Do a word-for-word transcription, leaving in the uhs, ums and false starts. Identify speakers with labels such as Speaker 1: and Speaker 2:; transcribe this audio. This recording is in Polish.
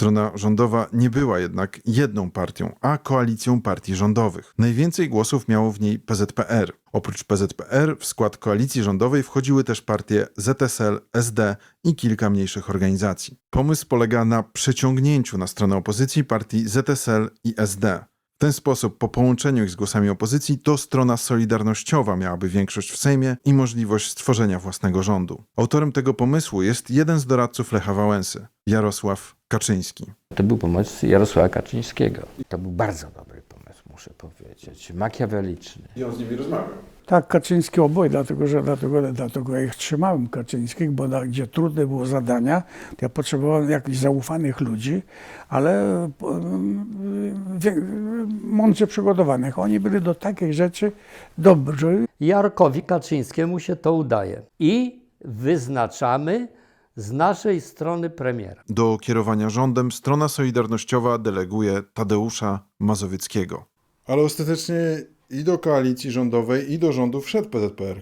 Speaker 1: Strona rządowa nie była jednak jedną partią, a koalicją partii rządowych. Najwięcej głosów miało w niej P Z P R. Oprócz P Z P R w skład koalicji rządowej wchodziły też partie Z S L, S D i kilka mniejszych organizacji. Pomysł polega na przeciągnięciu na stronę opozycji partii Z S L i S D. W ten sposób, po połączeniu ich z głosami opozycji, to strona solidarnościowa miałaby większość w Sejmie i możliwość stworzenia własnego rządu. Autorem tego pomysłu jest jeden z doradców Lecha Wałęsy, Jarosław Kaczyński.
Speaker 2: To był pomysł Jarosława Kaczyńskiego. To był bardzo dobry pomysł, muszę powiedzieć. Makiaweliczny.
Speaker 1: I on z nimi rozmawiał.
Speaker 3: Tak, Kaczyński oboje, dlatego że dlatego, dlatego ja ich trzymałem Kaczyńskich, bo na, gdzie trudne było zadania, to ja potrzebowałem jakichś zaufanych ludzi, ale wie, mądrze przygotowanych. Oni byli do takich rzeczy dobrzy.
Speaker 4: Jarkowi Kaczyńskiemu się to udaje. I wyznaczamy z naszej strony premiera.
Speaker 1: Do kierowania rządem strona solidarnościowa deleguje Tadeusza Mazowieckiego.
Speaker 5: Ale ostatecznie i do koalicji rządowej, i do rządu wszedł P Z P R.